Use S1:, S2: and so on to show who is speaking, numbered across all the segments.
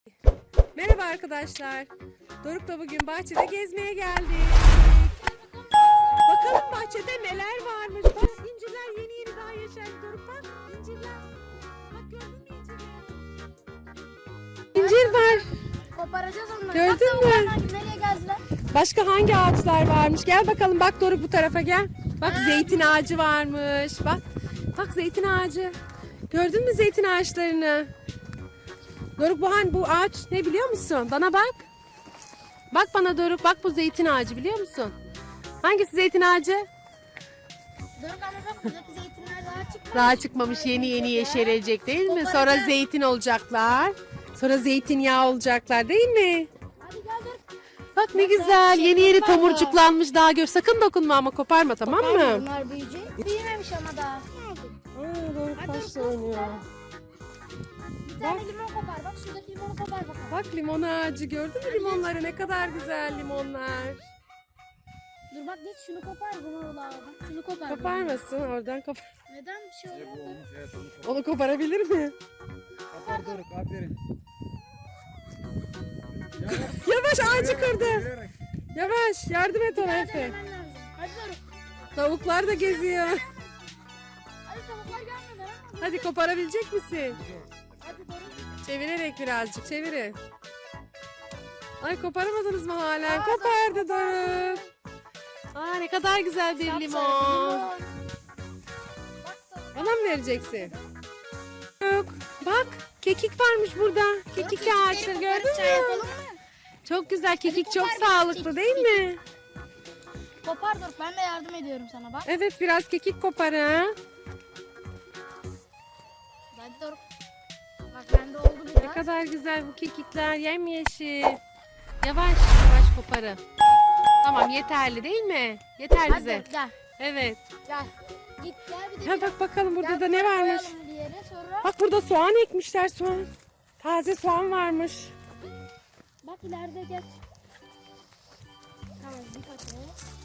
S1: Merhaba arkadaşlar. Doruk'la bugün bahçede gezmeye geldik. Bakalım bahçede neler varmış. Bak incirler yeni daha yeşerdi Doruk, bak incirler. Bak gördün mü incirleri? İncir var.
S2: Koparacağız onları.
S1: Gördün mü?
S2: Nereye geldiler?
S1: Başka hangi ağaçlar varmış? Gel bakalım, bak Doruk bu tarafa gel. Bak zeytin ağacı varmış. Bak. Bak zeytin ağacı. Gördün mü zeytin ağaçlarını? Doruk bu ağaç ne biliyor musun? Bana bak. Bak bana Doruk, bak bu zeytin ağacı biliyor musun? Hangisi zeytin ağacı?
S2: Doruk ama bak buradaki zeytinler daha çıkmamış.
S1: Daha çıkmamış, yeni yeşerecek değil mi? Sonra zeytin olacaklar. Sonra zeytinyağı olacaklar değil mi?
S2: Hadi gel Doruk.
S1: Bak ne güzel, yeni tomurcuklanmış, daha gör. Sakın dokunma ama koparma, tamam mı?
S2: Bunlar büyüyecek. Büyümemiş ama daha.
S1: Doruk taşla oynuyor.
S2: Bir tane limon kopar. Bak şuradaki limonu kopar bakalım.
S1: Bak limon ağacı, gördün mü limonları? Ne kadar güzel limonlar.
S2: Dur bak git şunu kopar. Bunu bak şunu kopar.
S1: Koparmasın, oradan kopar.
S2: Neden bir şey olmadı?
S1: Onu koparabilir mi?
S3: Kopar Doruk, aferin.
S1: Yavaş, ağacı kırdı. Yavaş, yardım et ona Efe.
S2: Denemen lazım. Hadi Doruk.
S1: Tavuklar da geziyor.
S2: Hadi tavuklar gelmeden ama.
S1: Hadi koparabilecek misin?
S2: Hadi Doruk.
S1: Çevirerek birazcık çevirin. Ay koparamadınız mı hala? Kopardı Doruk. Aa ne kadar güzel bir limon.
S2: Bak tavuk.
S1: Bana mı vereceksin? Yok. Bak kekik varmış burada. Kekik ağaçları gördün
S2: Çay yapalım
S1: mü?
S2: mı?
S1: Çok güzel, kekik çok
S2: kopar biraz,
S1: sağlıklı
S2: kekik.
S1: değil mi?
S2: Kopar Doruk. Ben de yardım ediyorum sana bak.
S1: Evet, biraz kekik kopar ha.
S2: Hadi Doruk. Bak bende oldu biraz.
S1: Ne kadar güzel bu kekikler, yemyeşil. Yavaş yavaş koparın. Tamam, yeterli değil mi? Yeter
S2: Hadi
S1: bize.
S2: Doruk, gel.
S1: Evet.
S2: Gel. Git gel bir de.
S1: Ha, bak bakalım burada
S2: Gel,
S1: da ne
S2: buraya
S1: varmış.
S2: koyalım bir yere, sonra.
S1: Bak burada soğan ekmişler, soğan. Taze soğan varmış.
S2: Bak ileride gel. Tamam bir paket.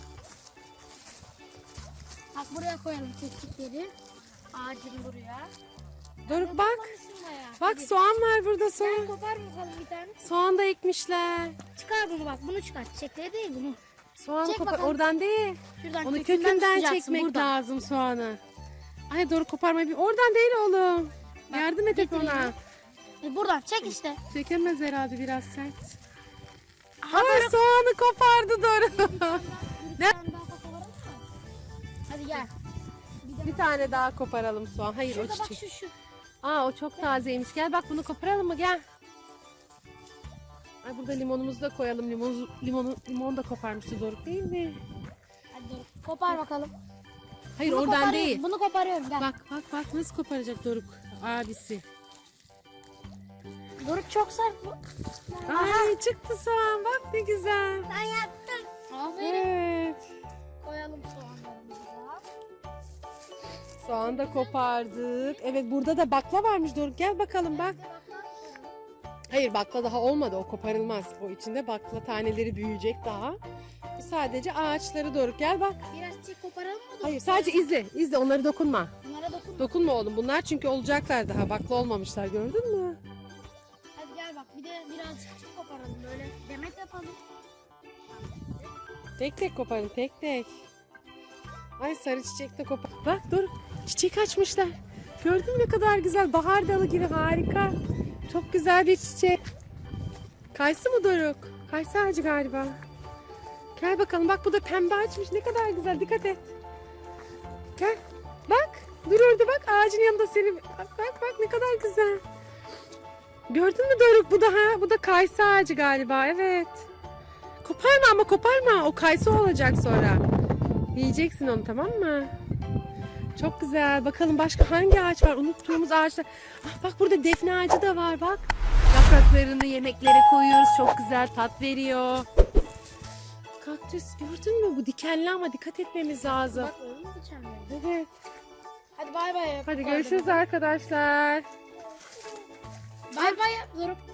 S2: Bak buraya koyalım kekikleri. Ağacın buraya.
S1: Doruk bak.
S2: Koparmışsın bayağı.
S1: Bak
S2: Hadi.
S1: soğan var burada,
S2: Gel
S1: soğan.
S2: kopar bakalım bir tane.
S1: Soğan da ekmişler.
S2: Çıkar bunu bak, bunu çıkar. Çiçekleri değil bunu.
S1: Soğanı
S2: Çek
S1: kopar.
S2: bakalım.
S1: Oradan değil.
S2: Şuradan
S1: Onu kökünden
S2: tutacaksın,
S1: çekmek
S2: buradan.
S1: lazım soğanı. Ay doğru, koparmayı bir. Oradan değil oğlum. Yardım et hep ona.
S2: getireyim. Buradan çek işte.
S1: Çekemez herhalde, biraz sert.
S2: Aha,
S1: Ay soğanı kopardı doğru.
S2: Bir tane daha koparalım mı? Hadi gel.
S1: Bir tane daha koparalım soğan. Hayır
S2: Şurada
S1: o
S2: bak
S1: çiçek.
S2: şu.
S1: Aa o çok tazeymiş. Gel bak bunu koparalım mı, gel. Ay burada limonumuzu da koyalım. Limon da koparmıştı Doruk değil mi?
S2: Hadi dur. Kopar bakalım.
S1: Hayır
S2: Bunu
S1: oradan
S2: koparıyorum,
S1: değil.
S2: Bunu koparıyorum gel.
S1: Bak nasıl koparacak Doruk abisi.
S2: Doruk çok sert bu.
S1: Ay çıktı soğan, bak ne güzel.
S2: Ben yaptım. Aferin.
S1: Evet.
S2: Koyalım soğanlarımızı da.
S1: Soğan da kopardık. Evet burada da bakla varmış Doruk. Gel bakalım bak. Hayır bakla daha olmadı, o koparılmaz. O içinde bakla taneleri büyüyecek daha. Bu sadece ağaçları Doruk, gel bak.
S2: Biraz çiçek koparalım mı? Doruk?
S1: Hayır sadece izle onları dokunma.
S2: Bunlara dokunma.
S1: Dokunma oğlum, bunlar çünkü olacaklar daha, bakla olmamışlar, gördün mü?
S2: Hadi gel bak bir de birazcık çiçek koparalım böyle. Demet yapalım.
S1: Tek tek koparın, tek tek. Ay sarı çiçek de kopar. Bak Doruk, çiçek açmışlar. Gördün mü ne kadar güzel, bahar dalı gibi, harika. Çok güzel bir çiçek. Kayısı mı Doruk? Kayısı ağacı galiba. Gel bakalım, bak bu da pembe açmış, ne kadar güzel, dikkat et. Gel bak, dur orada bak, ağacın yanında seni. Bak ne kadar güzel. Gördün mü Doruk, bu da kayısı ağacı galiba, evet. Koparma ama, koparma, o kayısı olacak sonra. Yiyeceksin onu, tamam mı? Çok güzel. Bakalım başka hangi ağaç var? Unuttuğumuz ağaçlar. Ah, bak burada defne ağacı da var bak. Yapraklarını yemeklere koyuyoruz. Çok güzel tat veriyor. Kaktüs gördün mü? Bu dikenli ama dikkat etmemiz lazım.
S2: Bak öyle mi geçemiyorum?
S1: Evet.
S2: Hadi bay bay yap.
S1: Hadi görüşürüz arkadaşlar.
S2: Bay bay yap Doruk.